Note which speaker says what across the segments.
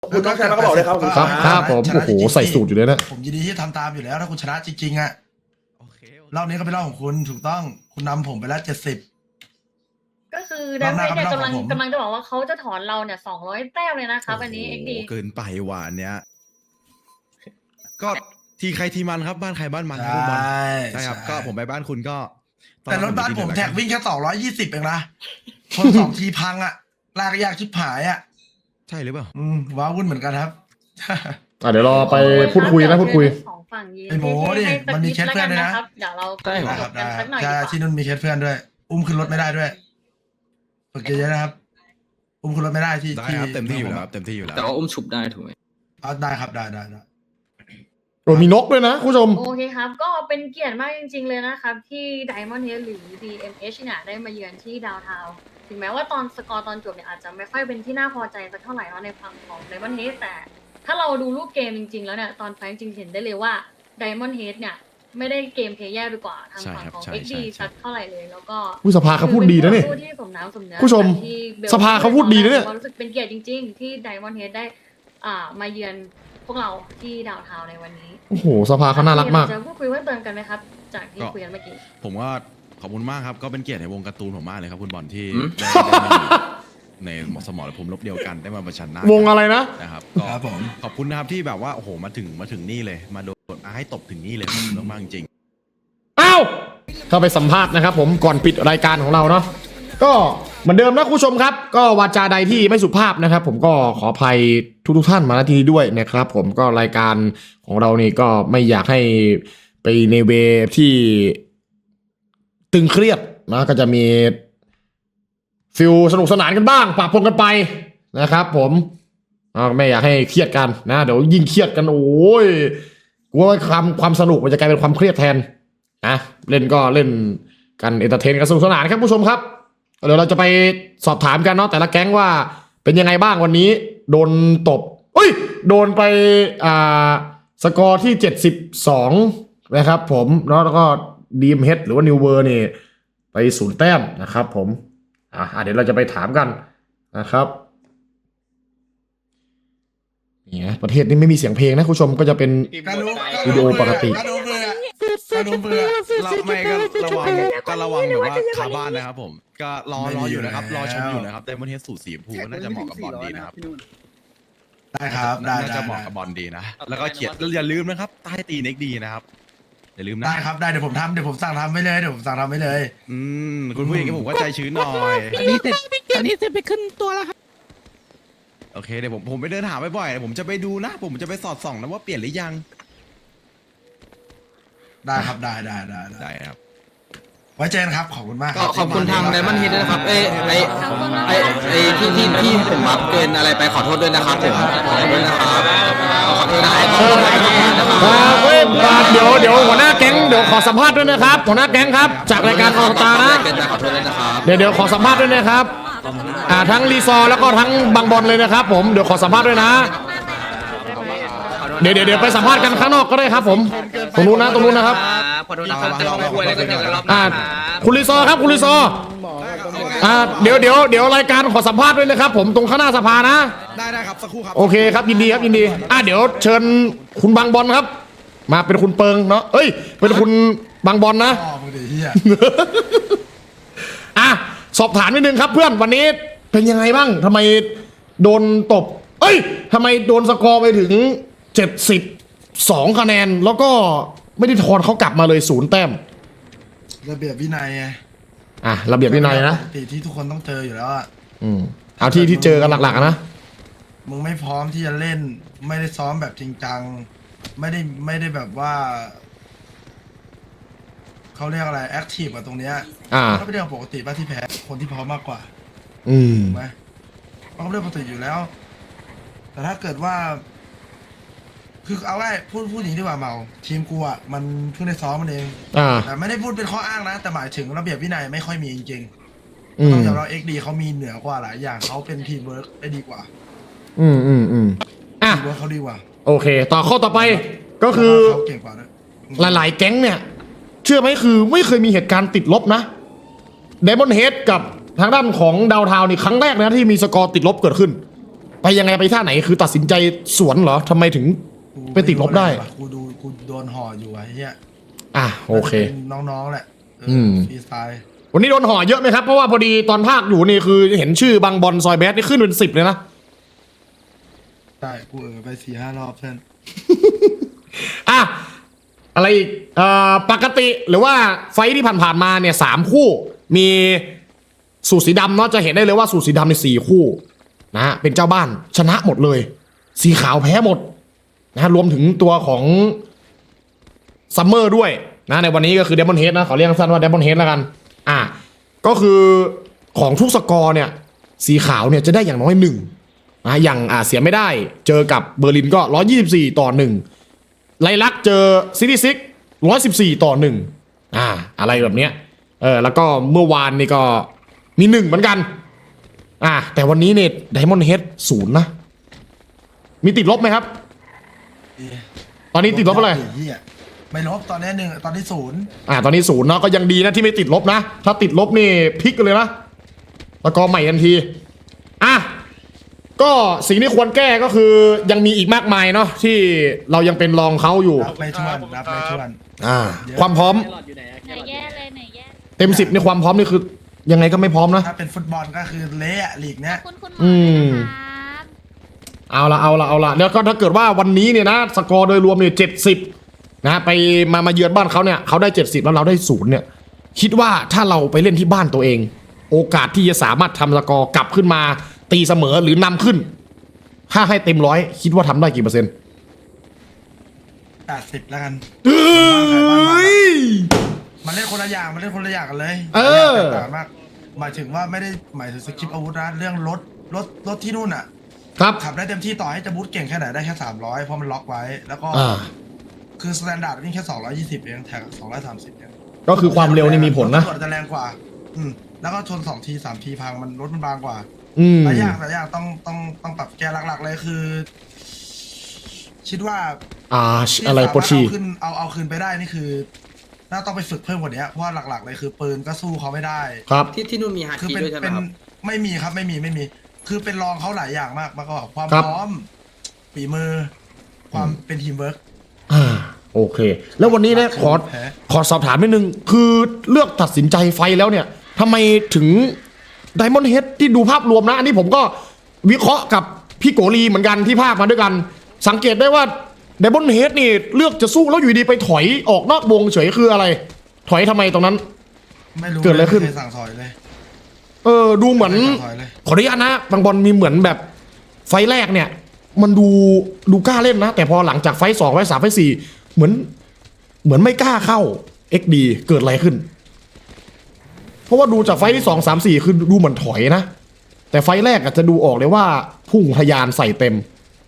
Speaker 1: คุณน้องชายก็บอกเลยครับ
Speaker 2: ครับผมโอ้โหใส่สูตรอยู่เลยนะ
Speaker 3: ผมยินดีที่ทำตามอยู่แล้วถ้าคุณชนะจริงๆอ่ะ
Speaker 4: โอเค
Speaker 3: รอบนี้ก็เป็นรอบของคุณถูกต้องคุณนำผมไปแล้ว70
Speaker 5: ก็คือไดมอนด์เนี่ยกำลังจะบอกว่าเขาจะถอนเราเนี่ย200 แต้มเลยนะครับอันนี้เอ็กดี
Speaker 4: เกินไปหวานเนี้ยก็ทีใครทีมันครับบ้านใครบ้านมันครับคุณบอลใช่ครับก็ผมไปบ้านคุณก็
Speaker 3: แต่รถบ้านผมแท็กวิ่งแค่220เองนะคน2ทีพังอ่ะลากยากชิบหายอ่ะ
Speaker 4: ใช่หรือเปล่า
Speaker 3: ว้าวุ่นเหมือนกันครับ
Speaker 2: เดี๋ยวรอไปพูดคุยนะพูดคุย
Speaker 5: สองฝั่งยืน
Speaker 3: ไอ้โหดิมันมีเคสเพื่อนด้วยนะ
Speaker 5: เดี๋ยวเรา
Speaker 3: ได้ค
Speaker 5: จ
Speaker 3: รับบ
Speaker 5: กันสักหน่อย
Speaker 3: ใช่
Speaker 5: ดีกว่า
Speaker 3: ที่นุ่นมีเคสเพื่อนด้วย อุ้มขึ้นรถไม่ได้ด้วยฝึกเยอะๆนะครับ อุ้มขึ้นรถไม่ได้ที่
Speaker 4: ได้ครับเต็มที่อยู่แล้วเต็มที่อยู่แล้ว
Speaker 6: แต่ว่าอุ้มฉุบได้ถูกไหม
Speaker 3: ได้ครับได้
Speaker 2: โอ้มีนกด้วยนะคุณผู้ชม
Speaker 5: โอเคครับ ก็เป็นเกียรติมากจริงๆเลยนะครับ ที่ Diamond Head หรือ DMH เนี่ยได้มาเยือนที่ดาวน์ทาวน์ถึงแม้ว่าตอนสกอร์ตอนจบเนี่ยอาจจะไม่ค่อยเป็นที่น่าพอใจสักเท่าไหร่เนาะในฝั่งของ Diamond Head แต่ถ้าเราดูรูปเกมจริงๆแล้วเนี่ยตอนไฟจริงๆเห็นได้เลยว่า Diamond Head เนี่ยไม่ได้เกมเพลย์แย่ไปกว่าทางฝั่งของ XD สักเท่าไหร่เลยแล้วก็
Speaker 2: ผู้สภาเขาพูดดีนะเนี่ย
Speaker 5: คือเป็นคู่ที่สมน้ำสมเนื้อ
Speaker 2: ผู้ชม
Speaker 5: ที่บล
Speaker 2: สภาเขาพูดดีนะเนี่ย
Speaker 5: รู้สึกเป็นเกียรติจริงๆ ที่ Diamond Head ได้มาเยือนพวกเราที่ดาวน์ทาวน์ในวันนี้
Speaker 2: โอ้โหสภาเขาน่ารักมาก
Speaker 5: จะพูดคุยเพิ่มเติมกันไหมครับ จากที่คุยกันเมื่อกี้
Speaker 4: ผมก็ขอบคุณมากครับก็เป็นเกียรติในวงการ์ตูนผมมากเลยครับคุณบอลที่ได้ในสมรภูมิรบเดียวกันได้มาประชันหน้าว
Speaker 2: งอะไรนะ
Speaker 4: นะครับก็
Speaker 3: ครับผม
Speaker 4: ขอบคุณนะครับที่แบบว่าโอ้โหมาถึงนี่เลยมาโดนให้ตบถึงนี่เลยขอบคุณมากๆจริง
Speaker 2: อ้าวเข้าไปสัมภาษณ์นะครับผมก่อนปิดรายการของเราเนาะก็เหมือนเดิมนะคุณผู้ชมครับ ก็วาจาใดที่ไม่สุภาพนะครับ ผมก็ขออภัยทุกท่านมาณที่นี้ด้วยนะครับ ผมก็รายการของเรานี่ก็ไม่อยากให้ไปในเวที่ตึงเครียดนะก็จะมีฟิลสนุกสนานกันบ้างปะปนกันไปนะครับ ผมไม่อยากให้เครียดกันนะเดี๋ยวยิ่งเครียดกันโอ้ยกลัวความสนุกมันจะกลายเป็นความเครียดแทนนะเล่นก็เล่นกันเอนเตอร์เทนกันสนุกสนานครับผู้ชมครับเดี๋ยวเราจะไปสอบถามกันเนาะแต่ละแก๊งว่าเป็นยังไงบ้างวันนี้โดนตบโดนไปสกอร์ที่72นะครับผมแล้วก็ดีมเฮดหรือว่านิวเวอร์นี่ไป0 แต้มนะครับผมเดี๋ยวเราจะไปถามกันนะครับนี่นะประเทศนี้ไม่มีเสียงเพลงนะคุณผู้ชมก็จะเป็น วิดีโอปกติ
Speaker 3: การดูเบื่อการดูเบื่อ
Speaker 4: เราไม่ก็ระวังแบบว่าคาบ้านนะครับผมก็รออยู่นะครับรอชมอยู่นะครับแต่บนเทสสูตรสีชมพูน่าจะเหมาะกับบอลดีนะครับ
Speaker 3: ได้ครับได้
Speaker 4: น่าจะเหมาะกับบอลดีนะแล้วก็เขียนอย่าลืมนะครับใต้ตีเน็กดีนะครับอย่าลืมนะ
Speaker 3: ได้ครับได้เดี๋ยวผมสั่งทำไว้เลย
Speaker 4: คุณผู้หญิงก็ผมก็ใจชื้นหน่อย
Speaker 1: อันนี้เสร็จไปขึ้นตัวแล้วครับ
Speaker 4: โอเคเดี๋ยวผมไปเดินหาบ่อยๆผมจะไปดูนะผมจะไปสอดส่องนะว่าเปลี่ยนหรือยัง
Speaker 3: ได้ครับได้
Speaker 4: ได้ครับ
Speaker 3: ไว้เจอกันครับขอบคุณมาก
Speaker 6: ก็ขอบคุณทางไดมอนด์เฮดด้วยนะครับที่ผมบัฟเกินอะไรไปขอโทษด้วยนะครับผมขอโทษด้วยนะครับขอโทษนะครับ
Speaker 2: เดี๋ยวหัวหน้าแก๊งเดี๋ยวขอสัมภาษณ์ด้วยนะครับหัวหน้าแก๊งครับจากรายการออตานะ
Speaker 6: ขอโทษด้วยนะครับ
Speaker 2: เดี๋ยวขอสัมภาษณ์ด้วยนะครับทั้งรีซอร์แล้วก็ทั้งบางบอลเลยนะครับผมเดี๋ยวขอสัมภาษณ์ด้วยนะเดี๋ยวไปสัมภาษณ์กันข้างนอกก็ได้ครับผมตรงนู้นนะครับ
Speaker 6: ขอโทษนะครับจะลองคุยอะไรกันอย่างรอบ
Speaker 2: คุณรีซอร์ครับคุณรีซอร์เดี๋ยวรายการขอสัมภาษณ์ด้วยนะครับผมตรงข้างหน้าสภานะ
Speaker 4: ได้ครับสักครู่ครับ
Speaker 2: โอเคครับยินดีครับยินดีเดี๋ยวเชิญคุณบางบอลครับ มาเป็นคุณเปิงเนาะเป็นคุณบางบอลนะ
Speaker 3: พ่อมึงดิเฮีย
Speaker 2: สอบถามนิดนึงครับเพื่อนวันนี้เป็นยังไงบ้างทำไมโดนตบทำไมโดนสกอร์ไปถึง72คะแนนแล้วก็ไม่ได้ทอนเขากลับมาเลย0 แต้ม
Speaker 3: ระเบียบวินัยไง
Speaker 2: ระเบียบวินัยนะ
Speaker 3: ปกติที่ทุกคนต้องเจออยู่แล้วอ่ะ
Speaker 2: เอาที่เจอกันหลักๆนะ
Speaker 3: มึงไม่พร้อมที่จะเล่นไม่ได้ซ้อมแบบจริงจังไม่ได้แบบว่าเขาเรียกอะไรแอคทีฟกับตรงเนี้ยก็เป็นเรื่องปกติป่ะที่แพ้คนที่พร้อมมากกว่าถูกไหมมันก็เป็นเรื่องปกติอยู่แล้ว แต่ถ้าเกิดว่า คือเอาไว้พูดอย่างนี้ดีกว่าเมาทีมกูอ่ะมันเพิ่งได้ซ้อมมันเองแต่ไม่ได้พูดเป็นข้ออ้างนะแต่หมายถึงระเบียบวินัยไม่ค่อยมีจริงๆต้องยอมรับXDเขามีเหนือกว่าหลายอย่างเขาเป็นทีมเวิร์กได้ดีกว่าทีมเวิร์กเขาดีกว่า
Speaker 2: โอเคต่อข้อต่อไปก็คือ
Speaker 3: เขาเก่งกว่าด้วย
Speaker 2: หลายๆแก๊งเนี่ยเชื่อไหมคือไม่เคยมีเหตุการณ์ติดลบนะไดมอนด์เฮดกับทางด้านของดาวทาวน์นี่ครั้งแรกนะที่มีสกอร์ติดลบเกิดขึ้นไปยังไงไปท่าไหนคือตัดสินใจสวนเหรอทำไมถึง ไปติดลบได้
Speaker 3: กูโดนห่ออยู่อะไอ้เหี้ย
Speaker 2: อ่ะโอเค
Speaker 3: น้องๆแหละฟรีสไตล์
Speaker 2: วันนี้โดนห่อเยอะไหมครับ เพราะว่าพอดีตอนภาคอยู่นี่คือเห็นชื่อบางบอลซอยแบดนี่ขึ้นเป็น10เลยนะ
Speaker 3: ใช่กูไป4-5 รอบเพื่อน
Speaker 2: อ่ะอะไรอีกปกติหรือว่าไฟท์ที่ผ่านๆมาเนี่ย3 คู่ มีสูตรสีดำเนาะจะเห็นได้เลยว่าสูตรสีดำใน4 คู่นะฮะเป็นเจ้าบ้านชนะหมดเลย สีขาวแพ้หมดนะฮะรวมถึงตัวของซัมเมอร์ด้วยนะในวันนี้ก็คือเดมอนเฮดนะขอเรียกสั้นว่าเดมอนเฮดแล้วกันก็คือของทุกสกอร์เนี่ยสีขาวเนี่ยจะได้อย่างน้อย1นะอย่างเสียไม่ได้เจอกับเบอร์ลินก็124-1ไลลักเจอซิตี้ซิก114-1อะไรแบบเนี้ยแล้วก็เมื่อวานนี่ก็มี1เหมือนกันแต่วันนี้เนี่ยไดมอนด์เฮด0นะมีติดลบไหมครับตอนนี้ติดลบเท่าไหร่
Speaker 3: ไม่ลบตอนนี้1ตอนนี้0
Speaker 2: ตอนนี้0เนาะก็ยังดีนะที่ไม่ติดลบนะถ้าติดลบนี่พลิกเลยนะแล้วก็ใหม่ทันทีก็สิ่งที่ควรแก้ก็คือยังมีอีกมากมายเนาะที่เรายังเป็นรองเขาอยู่
Speaker 3: นับไม่ถ้วน
Speaker 2: ความพร้อม
Speaker 7: ไหนแย่เลยไหนแย่
Speaker 2: เต็ม10ในความพร้อมนี่คือยังไงก็ไม่พร้อมนะ
Speaker 3: ถ้าเป็นฟุตบอลก็คือเละลีกเนี้ย
Speaker 7: คุณหมอนะครับ
Speaker 2: เอาละแล้วก็ถ้าเกิดว่าวันนี้เนี่ยนะสกอร์โดยรวมเนี่ย70นะไปมาเยือนบ้านเขาเนี่ยเขาได้70แล้วเราได้0เนี่ยคิดว่าถ้าเราไปเล่นที่บ้านตัวเองโอกาสที่จะสามารถทำสกอร์กลับขึ้นมาตีเสมอหรือนำขึ้นถ้าให้เต็ม100คิดว่าทำได้กี่เปอร์เซ็นต์
Speaker 3: 80แล้วกันมันเล่นคนละอย่างกันเลยต่างมากหมายถึงว่าไม่ได้หมายถึงสกิปอาวุธนะเรื่องรถที่นู่นอ่ะ
Speaker 2: ครับ
Speaker 3: ขับได้เต็มที่ต่อให้จะบูทเก่งแค่ไหนได้แค่300เพราะมันล็อกไว้แล้วก็คือสแตนดาร์ดวิ่งแค่220เองแท็ก230เอง
Speaker 2: ก็คือความเร็วนี่มีผลนะ
Speaker 3: จะแรงกว่าแล้วก็ชน2 ที3 ทีพังมันรถมันบางกว่าหลายอย่างต้องปรับแก้หลักๆเลยคือคิดว่า
Speaker 2: อะไรโปรชี
Speaker 3: เอาคืนไปได้นี่คือน่าต้องไปฝึกเพิ่มกว่านี้เพราะว่าหลักๆเลยคือปืนก็สู้เขาไม่ได้
Speaker 2: ครับ
Speaker 6: ที่นู่นมีฮาคิด้วยใช่ไหมครับ
Speaker 3: ไม่มีครับไม่มีคือเป็นรองเขาหลายอย่างมากก็ความพร้อมฝีมือความเป็นทีมเวิร์ก
Speaker 2: โอเคแล้ววันนี้เนี่ยขอสอบถามนิดนึงคือเลือกตัดสินใจไฟแล้วเนี่ยทำไมถึงไดมอนด์เฮดที่ดูภาพรวมนะอันนี้ผมก็วิเคราะห์กับพี่โกลีเหมือนกันที่ภาคมาด้วยกันสังเกตได้ว่าไดมอนด์เฮดนี่เลือกจะสู้แล้วอยู่ดีไปถอยออกนอกวงเฉยคืออะไรถอยทำไมตรงนั้น
Speaker 3: ไม่รู้
Speaker 2: เกิดอะไรขึ้น
Speaker 3: สั่งถอยเลย
Speaker 2: ดูเหมือนขออนุญาตนะบางบอลมีเหมือนแบบไฟแรกเนี่ยมันดูกล้าเล่นนะแต่พอหลังจากไฟ2ไฟ3ไฟ4เหมือนไม่กล้าเข้า XD เกิดอะไรขึ้นเพราะว่าดูจากไฟที่2 3 4คือดูเหมือนถอยนะแต่ไฟแรกอาจจะดูออกเลยว่าพุ่งทะยานใส่เต็ม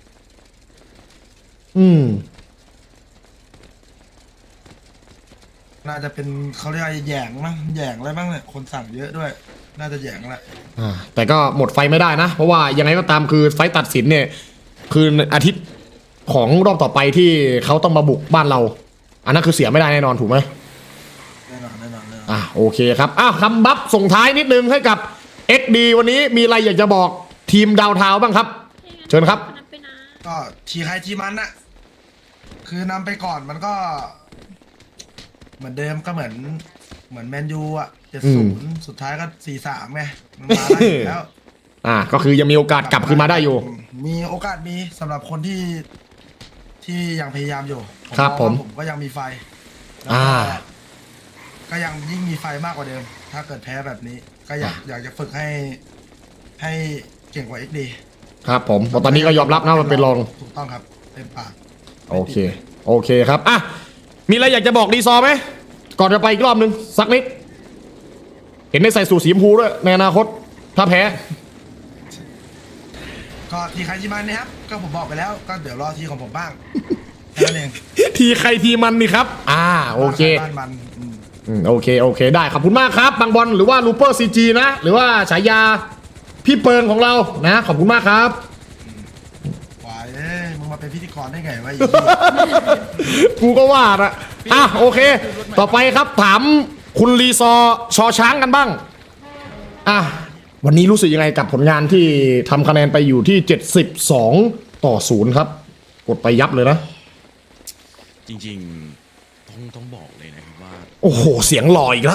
Speaker 3: น่าจะเป็นเขาเรียกแหย่งมั้งแหย่งอะไรบ้างเนี่ยคนสั่งเยอะด้วยน่าจะแหย่งแหละ
Speaker 2: แต่ก็หมดไฟไม่ได้นะเพราะว่ายังไงก็ตามคือไฟตัดสินเนี่ยคืออาทิตย์ของรอบต่อไปที่เขาต้องมาบุกบ้านเราอันนั้นคือเสียไม่ได้แน่นอนถูกไหม
Speaker 3: แน่นอน
Speaker 2: โอเคครับคำบัฟส่งท้ายนิดนึงให้กับ XD วันนี้มีอะไรอยากจะบอกทีมดาวเทาบ้างครับเชิญครับ
Speaker 3: ก็ทีใครทีมันน่ะคือนำไปก่อนมันก็เหมือนเดิมก็เหมือนแมนยูอ่ะ70สุดท้ายก็4-3ไงมันมาได้แล้ว
Speaker 2: ก็คือยังมีโอกาสกลับขึ้นมาได้อยู่
Speaker 3: มีโอกาสมีสำหรับคนที่ยังพยายามอยู่
Speaker 2: ครับผม
Speaker 3: ก็ยังมีไฟก็ยังยิ่งมีไฟมากกว่าเดิมถ้าเกิดแพ้แบบนี้ก็อยากจะฝึกให้เก่งกว่า XD
Speaker 2: ครับผมตอนนี้ก็ยอมรับนะมันเป็นรอง
Speaker 3: ถูกต้องครับเต็มปาก
Speaker 2: โอเคครับมีอะไรอยากจะบอกดีซอไหมก่อนจะไปอีกรอบนึงสักนิดเห็นได้ใส่สูทสีชมพูด้วยในอนาคตถ้าแพ้
Speaker 3: ก็ทีใครทีมันนะครับก็ผมบอกไปแล้วก็เดี๋ยวรอทีของผมบ้างแค่นั้นเอง
Speaker 2: ทีใครทีมันนี่ครับโอเคโอเคได้ขอบคุณมากครับบางบอลหรือว่าลูเปอร์ซีจีนะหรือว่าฉายาพี่เปิงของเรานะขอบคุณมากครับ
Speaker 3: มึงมาเป็นพิธีกรได้ไงวะ
Speaker 2: กูก็ว่านะโอเคต่อไปครับถามคุณรีซอชอช้างกันบ้างวันนี้รู้สึกยังไงกับผลงานที่ทำคะแนนไปอยู่ที่72-0ครับกดไปยับเลยนะ
Speaker 4: จริงๆต้องบอกเลยนะครับว่า
Speaker 2: โอ้โหเสียงหล่ออีกแล้ว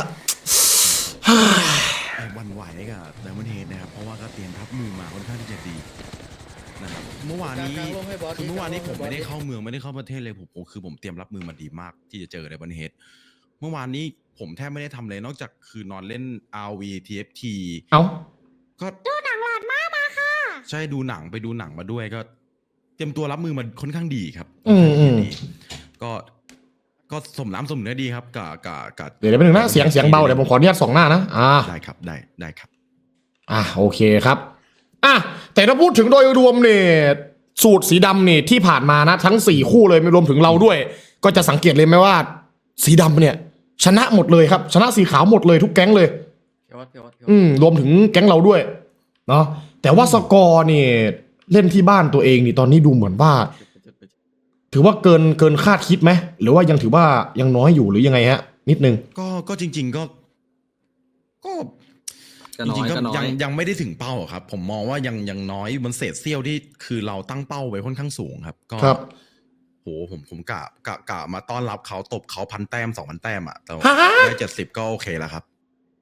Speaker 4: วันไหวกับไดมอนด์เฮดนะครับเพราะว่าก็เตรียมรับมือมาค่อนข้างที่จะดีนะครับเมื่อวานนี้ผมไม่ได้เข้าเมืองไม่ได้เข้าประเทศเลยผมเตรียมรับมือมาดีมากที่จะเจอไดมอนด์เฮดเมื่อวานนี้ผมแทบไม่ได้ทำเลยนอกจากคือนอนเล่น RV TFT
Speaker 2: เอ้า
Speaker 4: ก็ดูหนังหลอดมาค่ะใช่ดูหนังไปดูหนังมาด้วยก็เตรียมตัวรับมือมันค่อนข้างดีครับดีก็สมน้ำสมเนื้อดีครับกับ
Speaker 2: เดี๋ยวไปหนึ่งนะเสียงเบาเดี๋ยวผมขออนุญาตส่องหน้านะ
Speaker 4: ได้ครับได้ครับ
Speaker 2: โอเคครับแต่ถ้าพูดถึงโดยรวมเนี่ยสูตรสีดำเนี่ยที่ผ่านมานะทั้ง4คู่เลยไม่รวมถึงเราด้วยก็จะสังเกตเลยไหมว่าสีดำเนี่ยชนะหมดเลยครับชนะสีขาวหมดเลยทุกแก๊งเลยรวมถึงแก๊งเราด้วยเนาะแต่ว่าสกอร์เนี่ยเล่นที่บ้านตัวเองนี่ตอนนี้ดูเหมือนว่าถือว่าเกินคาดคิดไหมหรือว่ายังถือว่ายังน้อยอยู่หรือยังไงฮะนิดนึง
Speaker 4: ก็จริงๆก็ยังไม่ได้ถึงเป้าครับผมมองว่ายังน้อยมันเศษเสี้ยวที่คือเราตั้งเป้าไว้ค่อนข้างสูงครับก็โหผมกะมาต้อนรับเขาตบเขา1,000 แต้ม 2,000 แต้มอ่ะแต่ได้70ก็โอเคแล้วครับ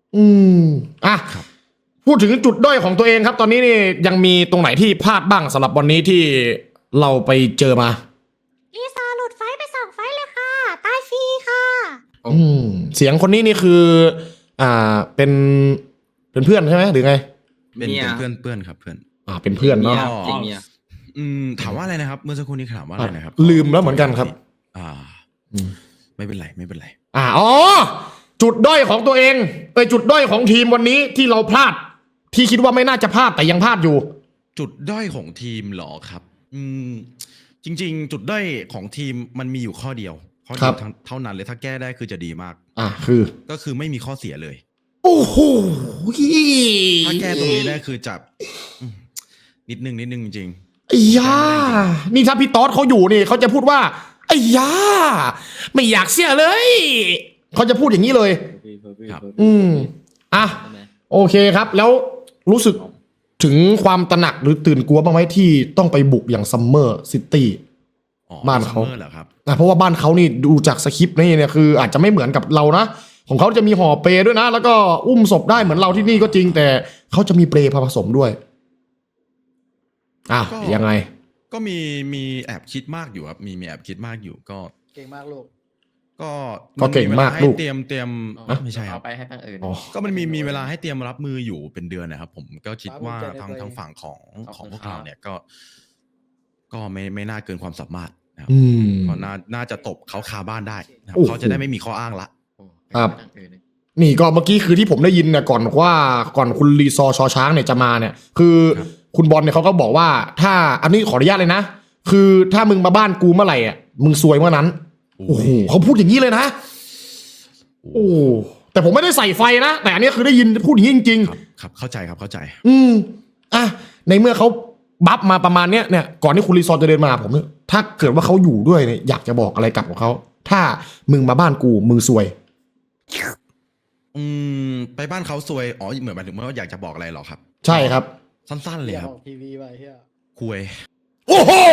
Speaker 2: พูดถึงจุดด้อยของตัวเองครับตอนนี้นี่ยังมีตรงไหนที่พลาดบ้างสำหรับวันนี้ที่เราไปเจอมา
Speaker 7: อีซาหลุดไฟไป2 ไฟเลยค่ะตายฟรีค่ะ
Speaker 2: เสียงคนนี้นี่คือเป็นเพื่อนใช่ไหมหรือไง
Speaker 4: เป็นเพื่อนครับเพื่อน
Speaker 2: เป็นเพื่อนเนาะ
Speaker 4: ถามว่าอะไรนะครับเมื่อสักครู่นี้ถามว่าอะไรนะครับ
Speaker 2: ลืมแล้วเหมือนกันครับ
Speaker 4: ไม่เป็นไร
Speaker 2: จุดด้อยของตัวเองจุดด้อยของทีมวันนี้ที่เราพลาดที่คิดว่าไม่น่าจะพลาดแต่ยังพลาดอยู่
Speaker 4: จุดด้อยของทีมเหรอครับจริงๆจุดด้อยของทีมมันมีอยู่ข้อเดียวเท่านั้นเลยถ้าแก้ได้คือจะดีมากก็คือไม่มีข้อเสียเลย
Speaker 2: โอ้โห
Speaker 4: ถ้าแก้ตรงนี้ได้คือจับนิดนึงจริง
Speaker 2: ไอ้ย่านี่ถ้าพี่ต๊อดเขาอยู่นี่เขาจะพูดว่าไอ้ย่าไม่อยากเสียเลยเขาจะพูดอย่างนี้เลย
Speaker 4: ครับ
Speaker 2: โอเคครับแล้วรู้สึกถึงความตระหนักหรือตื่นกลัวบ้างไหมที่ต้องไปบุกอย่างซัมเมอร์ซิตี้บ้านเขา
Speaker 4: เหรอครับ
Speaker 2: เพราะว่าบ้านเขานี่ดูจากสคริปต์นี่เนี่ยคืออาจจะไม่เหมือนกับเรานะของเขาจะมีห่อเปด้วยนะแล้วก็อุ้มศพได้เหมือนเราที่นี่ก็จริงแต่เขาจะมีเปลผสมด้วยยังไง
Speaker 4: ก็มีแอบคิดมากอยู่ครับมีแอบคิดมากอยู่ก็
Speaker 1: เก่งมากลูก
Speaker 2: ก็เก่งมากลูก
Speaker 4: เตรียมไม่ใช่ครับ
Speaker 1: ไปให้ทางอื่น
Speaker 4: ก็มันมีเวลาให้เตรียมรับมืออยู่เป็นเดือนนะครับผมก็คิดว่าทางฝั่งของพวกเราเนี่ยก็ไม่น่าเกินความสามารถนะครับก็น่าจะตบเขาคาบ้านได้นะครับเขาจะได้ไม่มีข้ออ้างละ
Speaker 2: ครับนี่ก็เมื่อกี้คือที่ผมได้ยินเนี่ยก่อนคุณรีซอชอช้างเนี่ยจะมาเนี่ยคือคุณบอลเนี่ยเขาก็บอกว่าถ้าอันนี้ขออนุญาตเลยนะคือถ้ามึงมาบ้านกูเมื่อไหร่อ่ะมึงซวยเมื่อนั้นโอ้โหเขาพูดอย่างนี้เลยนะโอ้แต่ผมไม่ได้ใส่ไฟนะแต่อันนี้คือได้ยินพูดอย่างนี้จริง
Speaker 4: ๆครับเข้าใจครับเข้าใจ
Speaker 2: ในเมื่อเขาบัฟมาประมาณเนี้ยเนี่ยก่อนที่คุณรีซอจะเดินมาผมเนี่ยถ้าเกิดว่าเขาอยู่ด้วยเนี่ยอยากจะบอกอะไรกับเขาถ้ามึงมาบ้านกูมึงซวย
Speaker 4: ไปบ้านเขาซวยเหมือนหมายถึงว่าอยากจะบอกอะไรหรอครับ
Speaker 2: ใช่ครับ
Speaker 4: สั้นๆเลยครับ
Speaker 1: ทีวีไปเฮีย
Speaker 4: คุย
Speaker 2: โอ้โห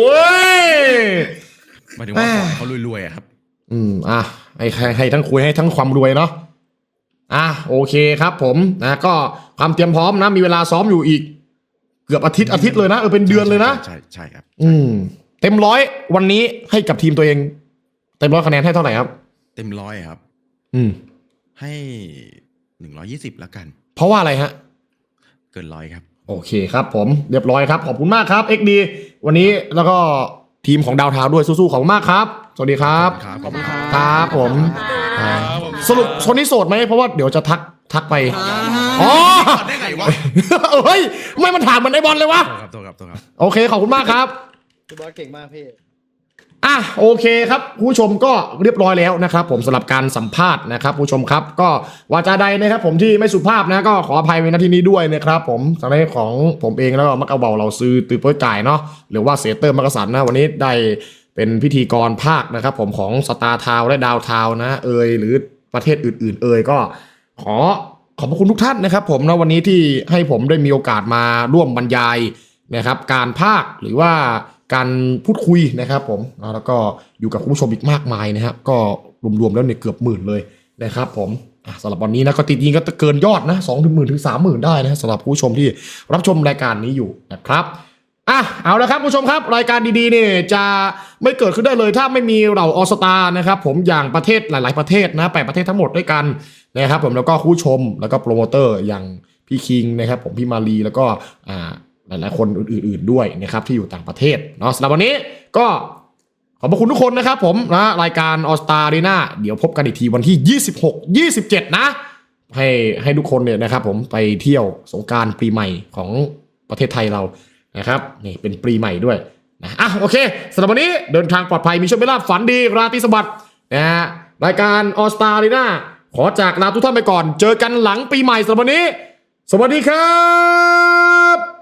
Speaker 4: หมายถึงว่าเขารวยๆครับ
Speaker 2: ให้ทั้งคุยให้ทั้งความรวยเนาะโอเคครับผมก็ความเตรียมพร้อมนะมีเวลาซ้อมอยู่อีกเกือบอาทิตย์เลยนะเป็นเดือนเลยนะ
Speaker 4: ใช่ครับ
Speaker 2: เต็ม100วันนี้ให้กับทีมตัวเองเต็ม100คะแนนให้เท่าไหร่ครับ
Speaker 4: เต็ม100ครับให้120แล้วกัน
Speaker 2: เพราะว่าอะไรฮะ
Speaker 4: เกิน100ครับ
Speaker 2: โอเคครับผมเรียบร้อยครับขอบคุณมากครับ XD วันนี้แล้วก็ทีมของดาวทาวด้วยสู้ๆขอบคุณมากครับสวัสดีครับ
Speaker 4: ขอบคุณ
Speaker 2: ครับผมสรุปคนนี้โสดไหมเพราะว่าเดี๋ยวจะทักไป
Speaker 4: ได้ไงวะ
Speaker 2: เฮ้ยไม่มันถามมันไอบอลเลยวะ
Speaker 4: ครับ
Speaker 2: โอเคขอบคุณมากครับ
Speaker 1: พี่บอลเก่งมากพี่
Speaker 2: โอเคครับผู้ชมก็เรียบร้อยแล้วนะครับผมสำหรับการสัมภาษณ์นะครับผู้ชมครับก็วาจาใดนะครับผมที่ไม่สุภาพนะก็ขออภัยในที่นี้ด้วยนะครับผมสำหรับของผมเองแล้วก็มักเอาเบาเราซื้อตือโป้ยจ่ายเนาะหรือว่าเสเตอร์มักกะสันนะวันนี้ได้เป็นพิธีกรภาคนะครับผมของสตาร์ทาวและดาวทาวนะหรือประเทศอื่นๆก็ขอขอบพระคุณทุกท่านนะครับผมนะวันนี้ที่ให้ผมได้มีโอกาสมาร่วมบรรยายนะครับการพากย์หรือว่าการพูดคุยนะครับผมแล้วก็อยู่กับคุณผู้ชมอีกมากมายนะครับก็รวมๆแล้วเนี่ยเกือบหมื่นเลยนะครับผมสำหรับวันนี้นะก็จริงๆก็เกินยอดนะ20,000 ถึง 30,000ได้นะสำหรับผู้ชมที่รับชมรายการนี้อยู่นะครับเอาละครับผู้ชมครับรายการดีๆเนี่ยจะไม่เกิดขึ้นได้เลยถ้าไม่มีเหล่าออสตานะครับผมอย่างประเทศหลายๆประเทศนะ8ประเทศทั้งหมดด้วยกันนะครับผมแล้วก็ผู้ชมแล้วก็โปรโมเตอร์อย่างพี่คิงนะครับผมพี่มาลีแล้วก็หลายๆคนอื่นๆด้วยนะครับที่อยู่ต่างประเทศเนาะสำหรับวันนี้ก็ขอบคุณทุกคนนะครับผมนะรายการออสตาอารีนาเดี๋ยวพบกันอีกทีวันที่26-27นะให้ทุกคนเนี่ยนะครับผมไปเที่ยวสงกรานต์ปีใหม่ของประเทศไทยเรานะครับนี่เป็นปีใหม่ด้วยนะโอเคสำหรับวันนี้เดินทางปลอดภัยมีโชคมีลาภฝันดีราตรีสวัสดิ์นะฮะรายการออสตาอารีนาขอจากลาทุกท่านไปก่อนเจอกันหลังปีใหม่สำหรับวันนี้สวัสดีครับ